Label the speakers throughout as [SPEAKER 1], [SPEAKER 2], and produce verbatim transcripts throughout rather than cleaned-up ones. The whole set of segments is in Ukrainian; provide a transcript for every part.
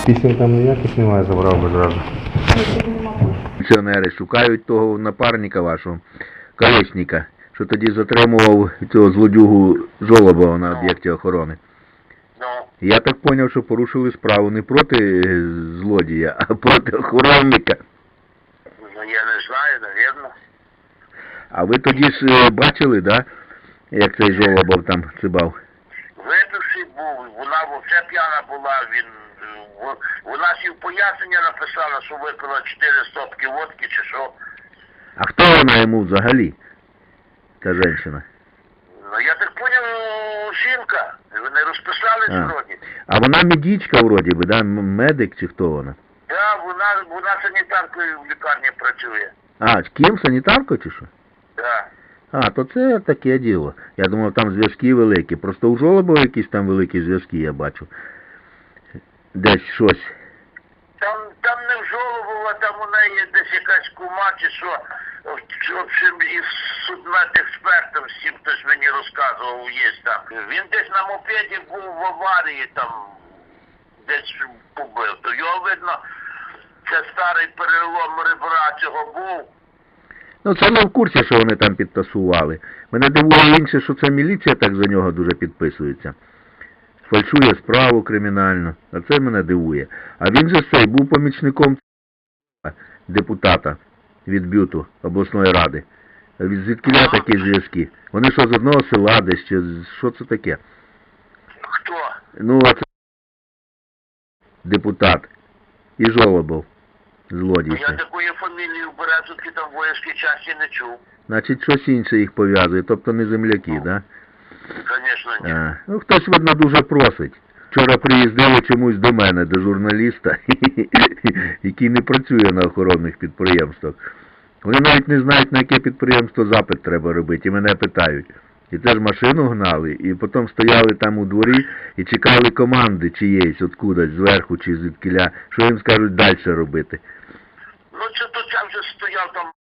[SPEAKER 1] Пісень там ніяких немає, забрав би зразу.
[SPEAKER 2] Пенсіонери шукають того напарника вашого, колесника, що тоді затримував цього злодюгу Жолобова на об'єкті охорони.
[SPEAKER 3] Ну,
[SPEAKER 2] Я так зрозумів, що порушили справу не проти злодія, а проти охоронника.
[SPEAKER 3] ну я не знаю, навірно.
[SPEAKER 2] А ви тоді ж е, бачили, да, як цей Жолобов там цибав?
[SPEAKER 3] Випивший був, вона взагалі п'яна була, він, е, в- вона сів пояснення написала, що випила чотири стопки водки чи що.
[SPEAKER 2] А хто вона йому взагалі, та жінка?
[SPEAKER 3] Ну я так поняв, жінка, вони розписались
[SPEAKER 2] А.
[SPEAKER 3] вроді.
[SPEAKER 2] А вона медичка вроді би, да, м- медик чи хто вона?
[SPEAKER 3] Так, вона, вона санітаркою в лікарні працює.
[SPEAKER 2] А, з ким, санітаркою чи що?
[SPEAKER 3] Так.
[SPEAKER 2] А, то це таке діло. Я думав, там зв'язки великі. Просто у Жолобова якісь там великі зв'язки, я бачу. Десь щось.
[SPEAKER 3] Там, там не в Жолобова, там у неї десь якась кума чи що. В общем, із судмедекспертом, з цим хтось мені розказував, є там. Він десь на мопеді був в аварії, там десь побив. То його видно, це старий перелом ребра цього був.
[SPEAKER 2] Ну, це не в курсі, що вони там підтасували. Мене дивує інше, що це міліція так за нього дуже підписується. Фальшує справу кримінальну. А це мене дивує. А він же цей був помічником депутата від Бюту обласної ради. Від звідкіля такі зв'язки. Вони що, з одного села десь, чи з- що це таке?
[SPEAKER 3] Хто?
[SPEAKER 2] Ну, а це депутат. І Жолобов. Злодій.
[SPEAKER 3] Ну, я
[SPEAKER 2] цей.
[SPEAKER 3] такої фамілії в Березовці там в воїнській часті не чув.
[SPEAKER 2] Значить, щось інше їх пов'язує, тобто не земляки, да?
[SPEAKER 3] Звісно, ні.
[SPEAKER 2] А, ну, хтось, видно, дуже просить. Вчора приїздили чомусь до мене, до журналіста, який не працює на охоронних підприємствах. Вони навіть не знають, на яке підприємство запит треба робити, і мене питають. І це ж машину гнали, і потім стояли там у дворі і чекали команди чиєїсь, откудась, зверху чи звідкіля, що їм скажуть далі робити.
[SPEAKER 3] Ну, це то це вже стояв там.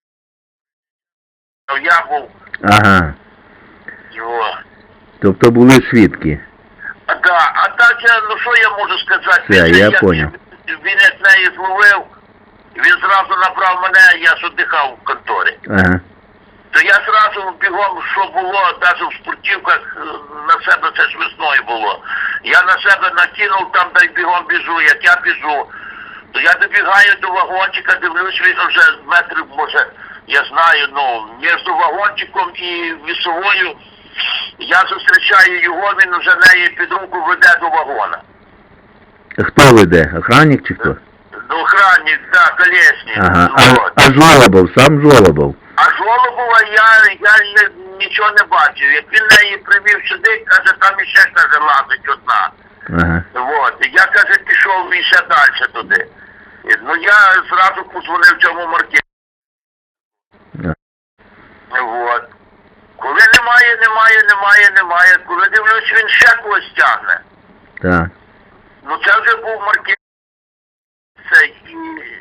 [SPEAKER 3] Я був.
[SPEAKER 2] Ага,
[SPEAKER 3] Його.
[SPEAKER 2] тобто були свідки.
[SPEAKER 3] А, да, а так, я, ну що я можу сказати?
[SPEAKER 2] Все,
[SPEAKER 3] Він же,
[SPEAKER 2] я
[SPEAKER 3] як
[SPEAKER 2] поняв.
[SPEAKER 3] Він як неї зловив, він зразу набрав мене, я ж дихав в конторі.
[SPEAKER 2] Ага.
[SPEAKER 3] То я зразу бігом, що було, навіть в спортивках е, на себе, це ж весною було. Я на себе накинув, там дай бігом біжу, як я біжу. То я добігаю до вагончика, дивлюсь, він вже метрів, може, я знаю, ну, між вагончиком і вісовою. Я зустрічаю його, він вже неї під руку веде до вагона.
[SPEAKER 2] Хто веде? Охранник чи хто?
[SPEAKER 3] До охранник, да, колесник.
[SPEAKER 2] Ага.
[SPEAKER 3] Вот.
[SPEAKER 2] А, а Жолобов, сам Жолобов?
[SPEAKER 3] А Жолобова я, я не, нічого не бачив. Як він неї привів сюди, каже, там іще, каже, лазить одна.
[SPEAKER 2] Ага.
[SPEAKER 3] Вот. І я, каже, пішов іще далі туди. І, ну я зразу подзвонив цьому маркету.
[SPEAKER 2] А.
[SPEAKER 3] Вот. Коли немає, немає, немає, немає. Коли дивлюсь, він ще когось тягне.
[SPEAKER 2] Так.
[SPEAKER 3] Ну це вже був маркет. Це і...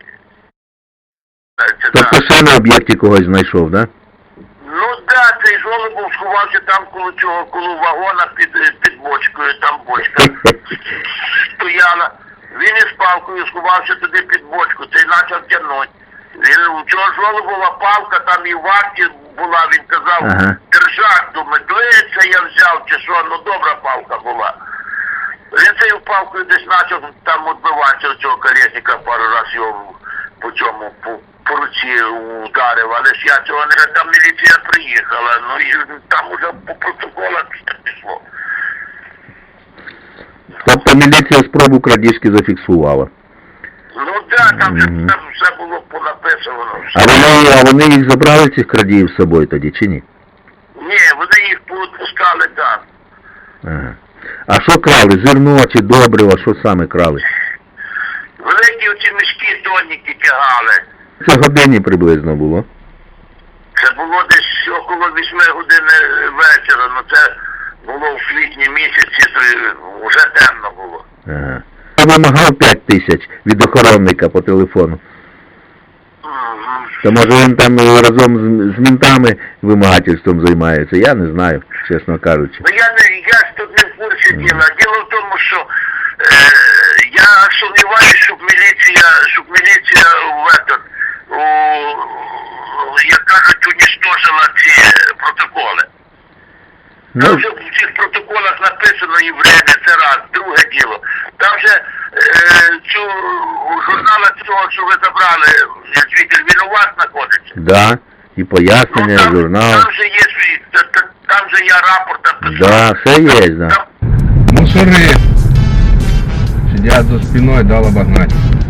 [SPEAKER 3] Це,
[SPEAKER 2] Тобто
[SPEAKER 3] да.
[SPEAKER 2] ще на об'єкті когось знайшов, да?
[SPEAKER 3] Ну да, цей Жолобов сховався там коло цього, коло вагона під, під бочкою, там бочка стояла. Він із палкою сховався туди під бочку, цей почав тягнути. Він, у цього Жолобова палка там і в варті була, він казав,
[SPEAKER 2] Ага.
[SPEAKER 3] держак, думаю, це я взяв чи що, ну добра палка була. Він цією палкою десь почав там відбиватися цього колесника, пару разів його по цьому, по, по руці ударив, але ж я цього не, там міліція приїхала, ну і там уже по протоколах все пішло.
[SPEAKER 2] Тобто міліція спробу крадіжки зафіксувала.
[SPEAKER 3] Ну так, да, там,
[SPEAKER 2] Мгм.
[SPEAKER 3] там все було понаписано.
[SPEAKER 2] А вони, а вони їх забрали, цих крадіїв з собою тоді, чи ні?
[SPEAKER 3] Ні, вони їх повідпускали там.
[SPEAKER 2] Ага. А що крали? Зерно чи добриво? Що саме крали?
[SPEAKER 3] Великі оці мішки тонніки тягали.
[SPEAKER 2] Це годині приблизно було.
[SPEAKER 3] Це було десь около вісьми годин вечора, ну це було в квітні місяці, то вже темно було.
[SPEAKER 2] Ага. Я вимагав п'ять тисяч від охоронника по телефону.
[SPEAKER 3] Мгм.
[SPEAKER 2] То може він там разом з, з ментами вимагательством займається, я не знаю, чесно кажучи.
[SPEAKER 3] Ну я не, я ж тут не в курсі діла. Діло в тому, що я сумніваюся, щоб міліція, щоб міліція в этот, у, як кажуть, унічтожила ці протоколи. Там
[SPEAKER 2] Ну,
[SPEAKER 3] вже в цих протоколах написано і время, це раз, друге діло. Там же е, цю журнала цього, що ви забрали, звідти, він у вас знаходиться.
[SPEAKER 2] да, і пояснення,
[SPEAKER 3] Ну, там,
[SPEAKER 2] журнал.
[SPEAKER 3] там же є свій, та- та- там же я рапорт написав.
[SPEAKER 2] Да, все є, да.
[SPEAKER 3] Там,
[SPEAKER 1] Мусори. Сидят за спиной, дал обогнать.